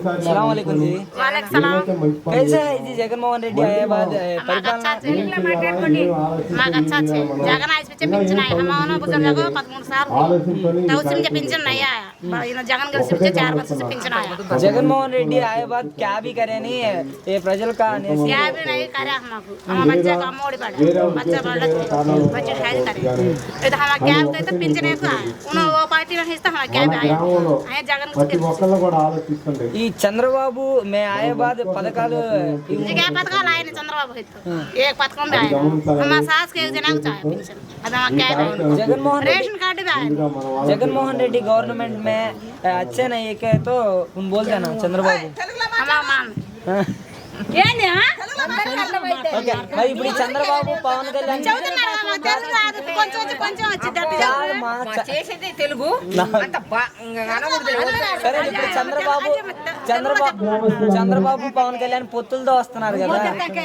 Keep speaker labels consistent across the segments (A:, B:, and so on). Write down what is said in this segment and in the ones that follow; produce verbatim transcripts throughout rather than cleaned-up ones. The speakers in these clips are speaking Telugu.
A: सलाम वालेकुम जी।
B: वालेकुम सलाम।
A: कैसा है जी जगनमोहन रेड्डी आए बाद
B: మాకు अच्छा अच्छे మాకు अच्छा अच्छे జగన్ ఆయిస్పిచ్చే పింఛన్ అయ్యా అమ్మను బుజుర్గకు పదమూడు సార్లు తౌసిం పింఛన్ అయ్యా ఈయన జగన్ గెలిచి चार वर्ष से పింఛన్ आया।
A: जगनमोहन रेड्डी आए बाद क्या भी करे नहीं ये प्रजल का
B: क्या भी नहीं करे हमको हम बच्चे का मोड़ी पड़ा बच्चा बड़ा बच्चे है करे तो हम क्या भी तो పింఛన్ है उन वो पार्टी में हिस्सा हम क्या भी आया आया जगन को
A: ఈ చంద్రబాబు మే आए बाद పథకాలు
B: जी क्या पथकाल आए नहीं चंद्रबाबू हित एक पथकम भी आया हमारा सास के एक जना को चाहिए पेंशन अब हम क्या है
A: जगनमोहन
B: रेशन कार्ड भी आया।
A: जगनमोहन रेड्डी गवर्नमेंट में अच्छे नहीं है क्या तो तुम बोलते ना चंद्रबाबु
B: हमारा मान ఏంది
A: ఓకే మరి ఇప్పుడు చంద్రబాబు పవన్ కళ్యాణ్
B: చదువుతున్నారు మా తెలుగు రాదు కొంచెం వచ్చి కొంచెం వచ్చి దట్టు
C: చేసేది తెలుగు అంత
A: సరే ఇప్పుడు చంద్రబాబు చంద్రబాబు చంద్రబాబు పవన్ కళ్యాణ్ పొత్తులతో వస్తున్నారు కదా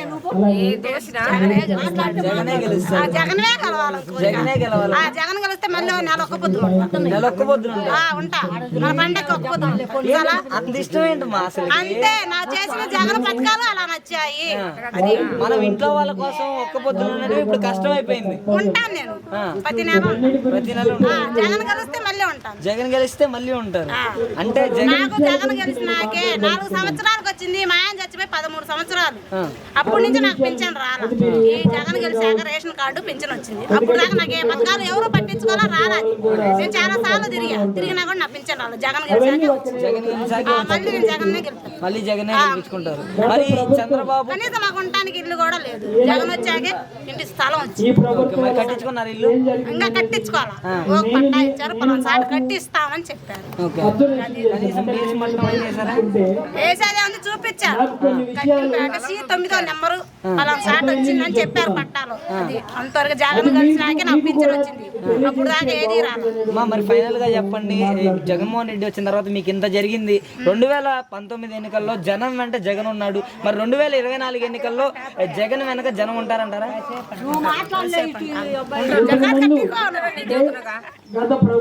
A: జగనే గెలుస్తారు
B: జగనే గెలవాలి
A: జగనే గెలవాలి
B: ఆ జగన్ గెలిస్తే మళ్ళీ నెల ఒక్క పొద్దులు
A: నెల ఒక్క పొద్దులు
B: ఆ ఉంటా మన పండగ ఒక్క పొద్దులు
A: అంత ఇష్టం ఏంటి మా అసలు
B: అంతే నా చేసిన జగన్ పథకాలు అలా నచ్చాయి
A: అది మనం ఇంట్లో వాళ్ళ కోసం ఒక్క పొద్దులు ఉండడం ఇప్పుడు కష్టం అయిపోయింది
B: ఉంటాను నేను ప్రతి నెల
A: ప్రతి నెల
B: జగన్ గెలిస్తే మళ్ళీ ఉంటాను
A: జగన్ గెలిస్తే మళ్ళీ ఉంటారు అంటే జగన్
B: నాకు జగన్ గెలిచినాకే నాలుగు సంవత్సరాలకు వచ్చింది మా ఆయన చచ్చిపోయి పదమూడు సంవత్సరాలు అప్పటి నుంచి నాకు పింఛన్ రాలా ఈ జగన్ గెలిచాక రేషన్ కార్డు పింఛన్ వచ్చింది అప్పుడు దాకా నాకు ఏ పథకాలు ఎవరు పట్టించుకోవాలా రాలేదు నేను చాలా సార్లు తిరిగా తిరిగినా కూడా నా పింఛన్ రాలేదు జగన్ గెలిచాకే వచ్చింది
A: జగన్ గెలిచాక
B: మళ్ళీ నేను జగన్నే గెలుస్తాను
A: మళ్ళీ జగనే గెలిపించుకుంటారు మరి చంద్రబాబు
B: కనీసం మాకు ఉండటానికి ఇల్లు కూడా లేదు జగన్ వచ్చాకే ఇంటి స్థలం వచ్చింది
A: మరి కట్టించుకున్నారు ఇల్లు
B: ఇంకా కట్టించుకోవాలా ఒక పట్టా ఇచ్చారు పలానా సార్ కట్టిస్తామని చెప్పారు
A: ఓకే కనీసం బేస్ మట్టం అని చేశారా
B: వేసేది ఉంది చూపించారు కట్టి తొమ్మిదో నెంబరు పలానా సార్ వచ్చిందని చెప్పారు పట్టాలు అది అంతవరకు జగన్ కలిసినాకే నాకు పింఛన్ వచ్చింది అప్పుడు దాకా ఏది రాదు
A: మా మరి ఫైనల్ గా చెప్పండి జగన్మోహన్ రెడ్డి వచ్చిన తర్వాత మీకు ఇంత జరిగింది రెండు వేల పంతొమ్మిది ఎన్నికల్లో జనం వెంట జగన్ ఉన్నాడు మరి రెండు వేల ఇరవై నాలుగు ఎన్నికల్లో జగన్ వెనక జనం ఉంటారంటారా?